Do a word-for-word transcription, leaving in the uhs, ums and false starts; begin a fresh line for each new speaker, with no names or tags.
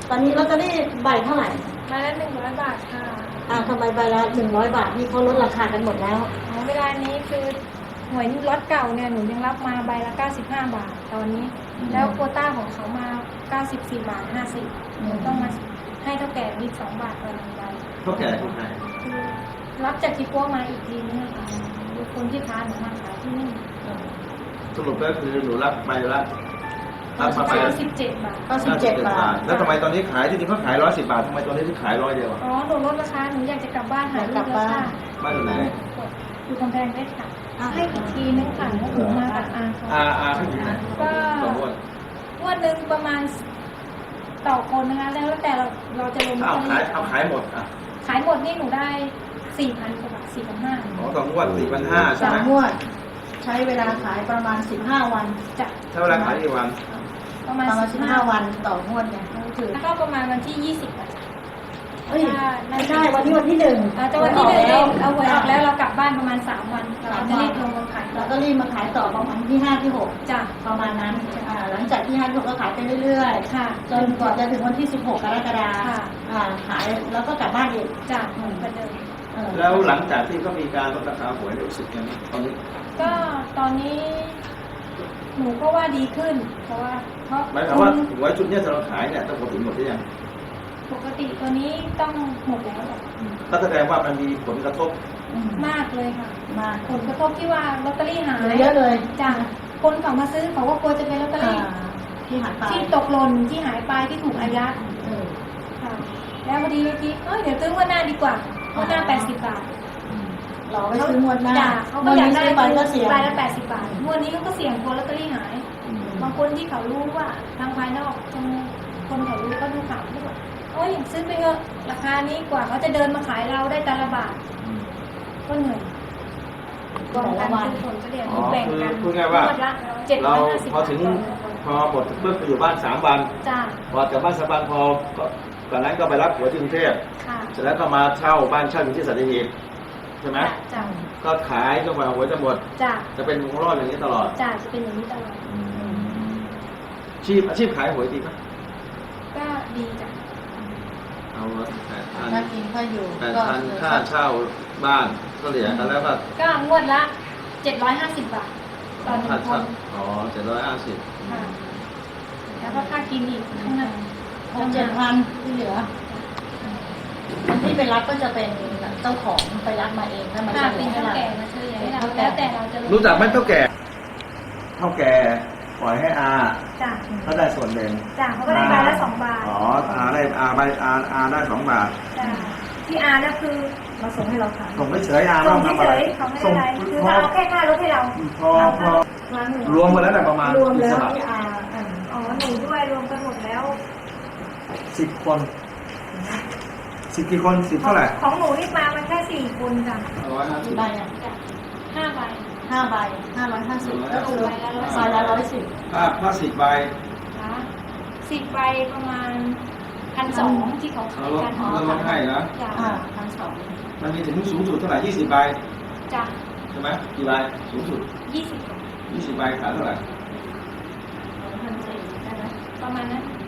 ตอนนี้ลอตเตอรี่ใบเท่าไหร่
ใบละหนึ่งร้อยบาทค่ะ
อ่าทำไมใบละหนึ่งร้อยบาทนี่เขาลดราคากันหมดแล้ว
อ๋อเวลานี้คือหวยรถเก่าเนี่ยหนูยังรับมาใบละเก้าสิบห้าบาทตอนนี้แล้วโควต้าของเขามาเก้าสิบสี่บาทห้าสิบหนูต้องมาให้เท่าแก่อีกสองบาทต่อหนึ่งใบ
เท่าแก่คนไหน
คือรับจากที่พวกมาอีกทีนึงค่ะคนที่ค้าหนูมาขายที่นี่
สรุปก็คือหนูรับไปละรับมาไป
สิบเจ็ดบาท
ก็สิบเจ็ดบาท
แล้วทำไมตอนนี้ขายที่จริงเขาขายร้อยสิบบาททำไมตอนนี้ถึงขายร้อยเดียว
อ๋อหนูลดราคาหนูอยากจะกลับบ้านหาก
ลับบ้าน
บ้านอยู่ไหน
อยู่กำแพงเพชรค่ะให้อีกทีนึงค่ะหนูมากับอา
อาอาเขาอยู่ไหน
ก็งวดหนึ่งประมาณต่อคนนะคะแล้วแต่เราเราจะลง
เอาขายเอาขายหมดอ่ะ
ขายหมดนี่หนูได้สี่พันกว่าบาทสี่พันห้า
อ๋อต่องวดสี่พันห้าใช่ไหม
สามงวดใช้เวลาขายประมาณสิบห้าวัน
จะ
ใช้เวลาขายกี่วัน
ประมาณสิบห้าวันต่องวดเนี่ยก็คือ
ก็ประมาณวันที่ยี่สิบอ่ะ
เฮ้ยไม่ได้วันที่วันที่หนึ่ง
จะวันที่หนึ่งเอาหวยออกแล้วเรากลับบ้านประมาณสามวันเราจะรีบลงมาขาย
เราก็รีบมาขายต่อประมาณที่ห้าที่หก
จ้ะ
ประมาณนั้นหลังจากที่ห้าที่หกก็ขายไปเรื่อยๆค่ะจนกว่าจะถึงวันที่สิบหกกรกฎาคมขายแล้วก็กลับบ้านอีก
จ้ะเหมือนกันเลย
แล้วหลังจากที่เขามีการลดราคาหวยรู้สึกยังไงตอนนี้
ก็ตอนนี้หนูก็ว่าดีขึ้นเพราะว่าเพราะ
หมายความว่าหวยชุดนี้เราขายเนี่ยต้องหมดถึงหมดหรือยัง
ปกติตัวนี้ต้องหมดแล้ว
ก็แสดงว่ามันมีผลกระทบ
มากเลยค่ะมากผลกระทบที่ว่าลอตเตอรี่หาย
เยอะเลย
จ้ะคนเขามาซื้อเขาก็กลัวจะเป็นลอตเตอรี่
ที่หายไป
ที่ตกหล่นที่หายไปที่ถูกอายัดค่ะแล้วพอดีเมื่อกี้เอ้ยเดี๋ยวซื้องวดหน้าดีกว่า
งว
ดหน้าแปดสิบบาท
รอไปซื้องวดหน้า
เขาก็อยากได้ใบละเสียใบละแปดสิบบาทงวดนี้ก็เสี่ยงกลัวลอตเตอรี่หายบางคนที่เขารู้ว่าทางภายนอกคนเขารู้ก็ดูข่าวที่ว่าโอ้ยซื้อไปเถอะราคานี้กว่าเขาจะเดินมาขายเราได้แต่ละบาทก็เหนื่อย
ก็แต่ละวัน
ผลก็เดี๋ยวแบ่งกัน
พูดง่ายว่าเราพอถึงพอหมดเพื่อไปอยู่บ้านสามวันพอจากบ้านสามวันพอตอนนั้นก็ไปรับหัวที่กรุงเทพเสร็จแล้วก็มาเช่าบ้านเช่าอยู่ที่สัตหีบใช่ไหมก็ขายจนกว่าหัวจะหมดจะเป็นวงรอดอย่างนี้ตลอด
จ้าจะเป็นอย่างนี้ตลอด
อาชีพอาชีพขายหวยดีไหม
ก็ดีจ้ะ
เอาแปดพัน
ค่ากินค่าอยู่
แปดพันค่าเช่าบ้านก็เหลือกันแล้วก็
ก็งวดละเจ็ดร้อยห้าสิบบาทต่อหนึ่งคน
อ๋อเจ็ดร้อยห้าสิบ
แล้วก็ค่ากินอีกข้างหน้า
หกเจ็ดพันที่เหลือที่ไปรับก็จะเป็นเจ้าของไปรับมาเองถ้ามัน
เป็นเท่าแก่มาเฉยให้เราแล้วแต่เราจะ
รู้จักไหมเท่าแก่เท่าแก่ปล่อยให้อา
จ้ะ
เขาได้ส่วนหนึ่ง
จ้ะเขาก็ได้ใบละสองบาท
อ๋ออาได้อาใบอาอาได้สองบาท
จ้ะที่อาเนี่ยคือ
เราส่งให้เราขาย
ส่งไม่เฉยอา
ส่งไม่เฉยเขาไม่ได้คือเอาแค่ค่ารถให้เรา
พอพอรวมมาแล้วแต่ประมาณ
รวมแล้วที่อา
อ๋อหนูด้วยรวมกันหมดแล้ว
สิบคนสิบกี่คนสิบเท่าไหร่
ของหนูนี่มามันแค่สี่คนจ้ะ
ร้อยห้าสิบ
ใบอ่ะ
ห้าใบ
ห้าใบห้าร้อยห้าสิบก็คือใบละร้อยสิบ
ห้าห้าสิบใบ
สิบใบประมาณพันสองที่เขาขายกัน
อ๋อลดให้นะ
อ่าพันสอง
มันมีถึงสูงสุดเท่าไหร่ยี่สิบใบ
จ้ะ
ใช่ไหมกี่ใบสูงสุด
ยี่สิบ
ยี่สิบใบขายเท่าไหร่
พันสี่ได้ไหม
ประมาณนั้น